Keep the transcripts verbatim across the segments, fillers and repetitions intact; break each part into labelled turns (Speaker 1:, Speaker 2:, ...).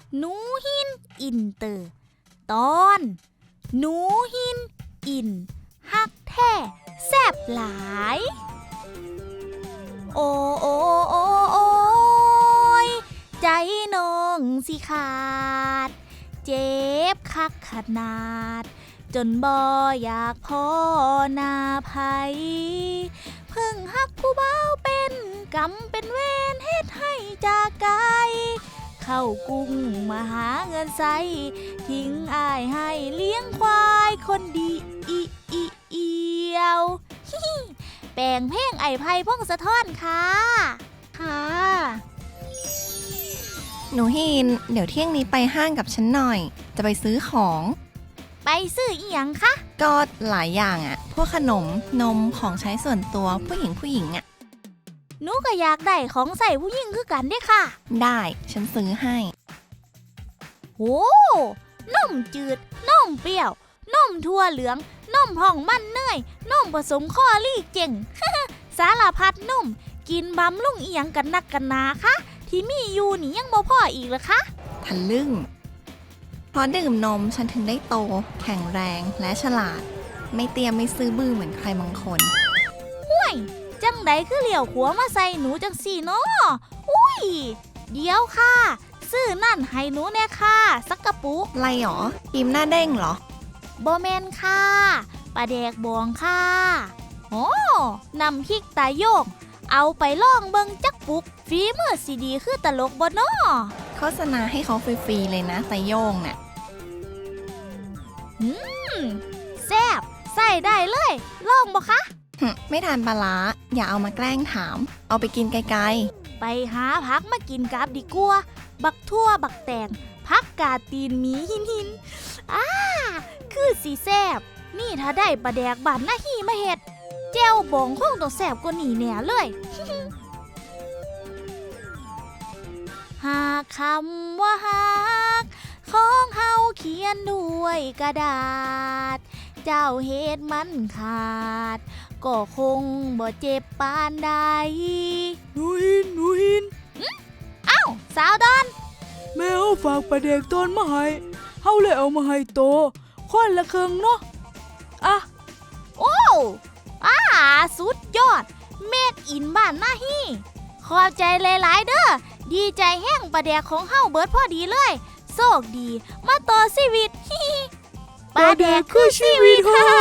Speaker 1: หนูหินอินเตอร์ตอน หนูหินอินฮักแท้แซ่บหลายโอโอโอโอยใจน้องสิขาดเจ็บคักขนาดจนบ่อยากพ่อหน้าไผเพิ่งฮักผู้เบาเป็นกรรมเป็นเวรเฮ็ดให้จากไกลเข้ากรุงมาหาเงินใส่ทิ้งอ้ายให้เลี้ยงควายคนดีอีอีเอียวฮิแปลงเพลงไอ้ไพพงษ์สะท้อนค่ะค่ะ
Speaker 2: หนูฮินเดี๋ยวเที่ยงนี้ไปห้างกับฉันหน่อยจะไปซื้อของ
Speaker 1: ไปซื้ออีหยังคะ
Speaker 2: ก็หลายอย่างอะพวกขนมนมของใช้ส่วนตัวผู้หญิงผู้หญิงอะ
Speaker 1: หนูก็อยากได้ของใส่ผู้หญิงคือกันเด้ค่ะ
Speaker 2: ได้ฉันซื้อให้
Speaker 1: โอ้นมจืดนมเปรี้ยวนมถั่วเหลืองนมผ่องมันเนยนมผสมข้อลี่เจ๋ง สารพัดนมกินบำรุงอีหยังกันนักกันนาคะที่มีอยู่นี่ยังบ่พออีกเหรอคะ
Speaker 2: ทะลึ่งเพราะดื่มนมฉันถึงได้โตแข็งแรงและฉลาดไม่เตรียมไม่ซื้อบื้อเหมือนใครบางคน
Speaker 1: ห่วยจังใดคือเหลี่ยวขัวมาใส่หนูจังสี่เนาะอุ้ยเดี๋ยวค่ะซื้อนั่นให้หนูแน่ค่ะสักกระปุก
Speaker 2: ไรหรอกิมหน้าเด้งเหรอ
Speaker 1: บ่แม่นค่ะปลาแดกบองค่ะโอ้นำพริกตาโยกเอาไปลองเบิ่งจักปุกฝีมือสิดีคือตลกบ่น้อ
Speaker 2: โฆษณาให้เขาฟรีๆเลยนะตาโยงน่ะ
Speaker 1: อืมแซ่บใส่ได้เลยลองบ่คะ
Speaker 2: ไม่ทานปลาร้าอย่าเอามาแกล้งถามเอาไปกินไกล
Speaker 1: ๆไปหาผักมากินกับดีกว่าบักทั่วบักแตงผักกาดตีนหมีหินหินอ้าคือสีแซ่บนี่ถ้าได้ปลาแดกบานหน้าหีมาเฮ็ดแจ่วบองคงต้องแซ่บกว่านี้แน่เลย หากคำว่าฮักของเฮาเขียนด้วยกระดาษเจ้าเฮ็ดมันขาดก็คงบ่เจ็บปานใด
Speaker 3: หนูหินหนูหิน
Speaker 1: อ้าวสาวดอน
Speaker 3: แม่เอาฝากปลาแดกตอนมาให้เฮาเลยเอามาให้โตคนละครึ่งเนาะอ่ะ
Speaker 1: โอ้อ่าสุดยอดเมดอินบ้านหน้าฮีขอบใจหลายๆเด้อดีใจแห้งปลาแดกของเฮาเบิดพอดีเลยโชคดีมาต่อชีวิตฮิ
Speaker 3: ปลาแดกคือชีวิตค่ะ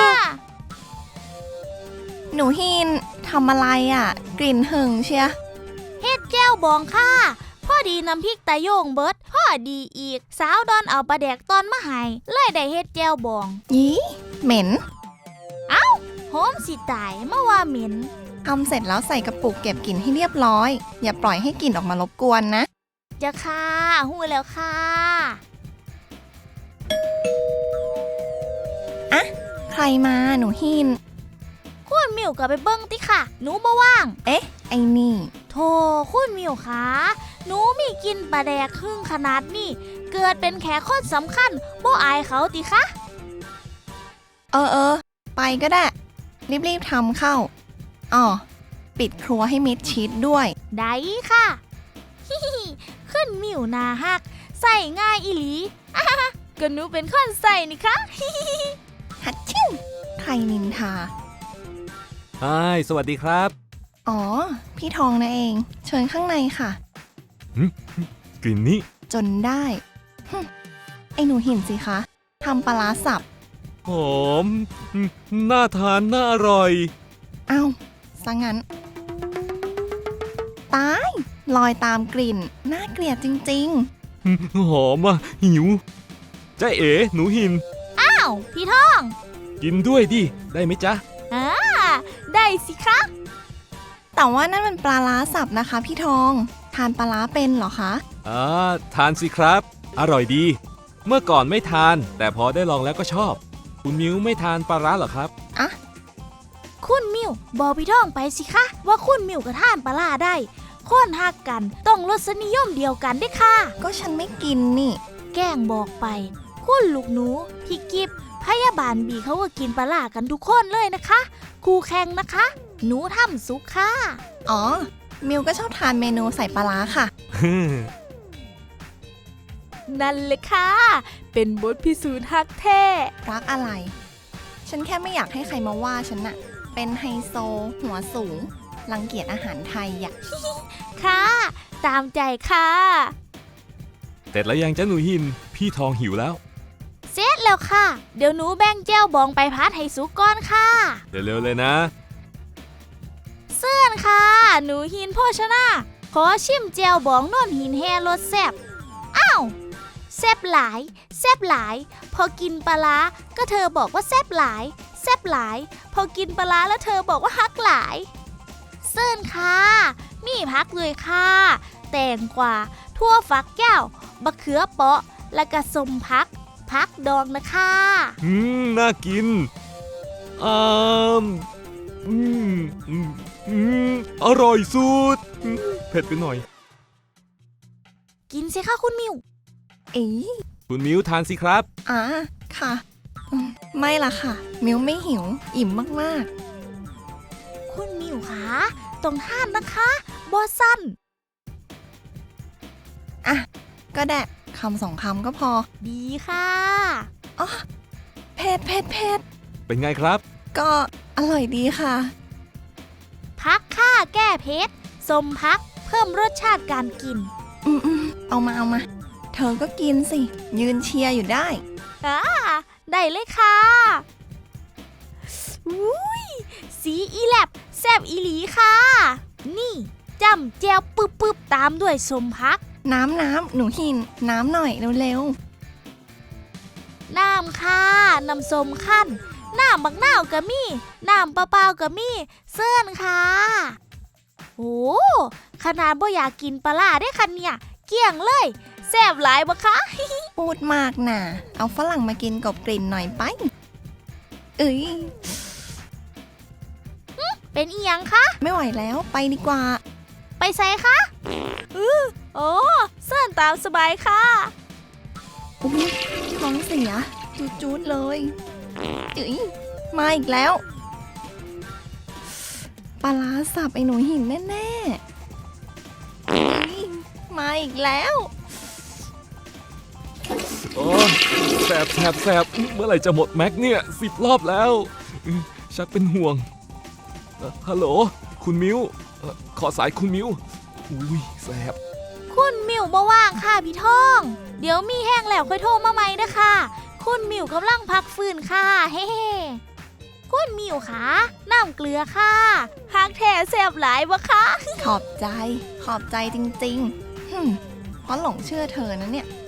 Speaker 2: หนูหินทำอะไรอ่ะกลิ่นหึงเชีย
Speaker 1: เฮ็ดแก้วบองค่ะพอดีน้ำพริกตาโยงเบิดพอดีอีกสาวดอนเอาปลาแดกตอนมาให้เลยได้เฮ็ดแก้วบอง
Speaker 2: ยี่เหม็น
Speaker 1: เอ้าหอมสิตายมาว่าเหม็น
Speaker 2: ทำเสร็จแล้วใส่กระปุกเก็บกลิ่นให้เรียบร้อยอย่าปล่อยให้กลิ่นออกมารบกวนนะ
Speaker 1: จะค่ะหู้แล้วค่ะ
Speaker 2: อะใครมาหนูหิน
Speaker 1: คุณมิวก็ไปเบิ้งติค่ะหนูบ่ว่าง
Speaker 2: เอ๊ะไอ้นี่
Speaker 1: โธ่คุณมิวคะหนูมีกินปลาแดกครึ่งขนาดนี้เกิดเป็นแขกคนสำคัญบ่อายเขาติคะ
Speaker 2: เออเออไปก็ได้รีบๆทำเข้าอ๋อปิดครัวให้มิดชิดด้วย
Speaker 1: ได้ค่ะฮิฮิขึ้นมิวนาฮักใส่ง่ายอีหลีอ่ะก็หนูเป็นคนใส่นี่คะฮิฮิ
Speaker 2: ฮัดชิ่งใครนินทา
Speaker 4: ไอ้สวัสดีครับ
Speaker 2: อ๋อพี่ทองนะเองเชิญข้างในค่ะ
Speaker 4: กลิ่นนี้
Speaker 2: จนได้ไอ้หนูหินสิคะทำปลาร้าสับ
Speaker 4: หอมน่าทานน่าอร่อย
Speaker 2: เอ้าซะงั้นตายลอยตามกลิ่นน่าเกลียดจริง
Speaker 4: ๆหอมอ่ะหิวจ้าเอ๋หนูหิน
Speaker 1: อ้าวพี่ทอง
Speaker 4: กินด้วยดิได้ไหมจ๊ะ
Speaker 1: อ่าได้สิคะ
Speaker 2: แต่ว่านั่นมันปลาร้าสับนะคะพี่ทองทานปลาร้าเป็นเหรอคะ
Speaker 4: อ่าทานสิครับอร่อยดีเมื่อก่อนไม่ทานแต่พอได้ลองแล้วก็ชอบคุณมิวไม่ทานปลาร้าเหรอครับ
Speaker 2: อ่ะ
Speaker 1: คุณมิวบอกพี่ทองไปสิคะว่าคุณมิวกับทานปลาร้าได้คนฮักกันต้องรสนิยมเดียวกันได้ค่ะ
Speaker 2: ก็ฉันไม่กินนี่
Speaker 1: แกล้งบอกไปคุณลูกหนูพี่กิฟพยาบาลบีเขาก็กินปลาร้ากันทุกคนเลยนะคะคู่แข่งนะคะหนูทำสุกค่ะ
Speaker 2: อ๋อมิวก็ชอบทานเมนูใส่ปลาร้าค่ะ
Speaker 1: นั่นเลยค่ะ เป็นบทพิสูจน์ฮักแท้
Speaker 2: รักอะไร ฉันแค่ไม่อยากให้ใครมาว่าฉันน่ะ เป็นไฮโซ หัวสูง รังเกียจอาหารไทยอ่ะ
Speaker 1: ค่ะ ตามใจค่ะ
Speaker 4: เสร็จแล้วยังจ้าหนูหิน พี่ทองหิวแล้ว
Speaker 1: เสร็จแล้วค่ะ เดี๋ยวหนูแบ่งแจ้วบองไปพัดให้สุกก่อนค่ะ
Speaker 4: เร็วๆเลยนะ
Speaker 1: เสื่อนค่ะ หนูหินโภชนาขอชิมแจ้วบองโน่นหินแฮรสแซ่บอ้าวแซ่บหลายแซ่บหลาย พอกินปลาร้าก็เธอบอกว่าแซ่บหลายแซ่บหลาย พอกินปลาร้าแล้วเธอบอกว่าฮักหลายเสื่อนค่ะ มีพักเลยค่ะ แตงกวาทั่วฝักแก้วบะเขือเปาะและกระสมพัก พักดองนะคะ
Speaker 4: อืม น่ากินอ่ามอืมอืมอืมอร่อยสุดอืมเผ็ดไปหน่อย
Speaker 1: กินสิคะคุณมิว
Speaker 2: เอ๋
Speaker 4: คุณมิวทานสิครับ
Speaker 2: อ่าค่ะอืมไม่ล่ะค่ะ มิวไม่หิว อิ่มมาก
Speaker 1: คุณมิวคะต้องทานนะคะบอสั้น
Speaker 2: ๆ อ่ะ ก็ได้คำสองคำก็พอ
Speaker 1: ดีค่ะ
Speaker 2: อ๋อเผ็ดเผ็ดเผ็ด
Speaker 4: เป็นไงครับ
Speaker 2: ก็อร่อยดีค่ะ
Speaker 1: พักค่าแก้เผ็ดสมพักเพิ่มรสชาติการกิน
Speaker 2: อืมอืมเอามาเอามา เธอก็กินสิ ยืนเชียร์อยู่ได้
Speaker 1: อ่า ได้เลยค่ะอุ้ยสีอีแลบแซบอีหลีค่ะ นี่จำแจวปึ๊บปึ๊บตามด้วยสมพัก
Speaker 2: น้ำน้ำหนูหิน น้ำหน่อยเร็ว
Speaker 1: น้ำค่ะ น้ำส้มขั้น น้ำบักนาวกะมี่ น้ำเปล่าๆกะมี่ เสื่อนค่ะ โอ้ขนาดบ่อยากกินปลาร้าได้คันเนี่ย เกลี่ยงเลยแซ่บหลายบ่คะ
Speaker 2: ๆ พูดมากน่ะ เอาฝรั่งมากินกบกลิ่นหน่อยไป เอ้ย
Speaker 1: เป็นอีหยังคะ
Speaker 2: ไม่ไหวแล้วไปดีกว่า
Speaker 1: ไปใส่คะอือโอ้เสื่อนตามสบายค่ะ
Speaker 2: อุ๊ยท้องเสียจูดๆเลยเอ้ยมาอีกแล้วปลาร้าสับไอ้หนูหินแน่ๆเอ้ยมาอีกแล้ว
Speaker 4: โอ้แสบแสบแสบเมื่อไหร่จะหมดแม็กเนี่ยสิบรอบแล้วอืมชักเป็นห่วงเอ่อฮัลโหล คุณมิวเอ่อขอสายคุณมิวอุ้ยแสบ
Speaker 1: คุณมิวบ่ว่างค่ะพี่ท่อง เดี๋ยวมีแห้งแล้วค่อยโทรมาใหม่นะคะ คุณมิวกำลังพักฟื้นค่ะ เฮ้ๆคุณมิวคะน้ำเกลือค่ะฮักแท้แซ่บหลายบ่คะ
Speaker 2: ขอบใจ ขอบใจจริงๆหึ่มเพราะหลงเชื่อเธอนะเนี่ย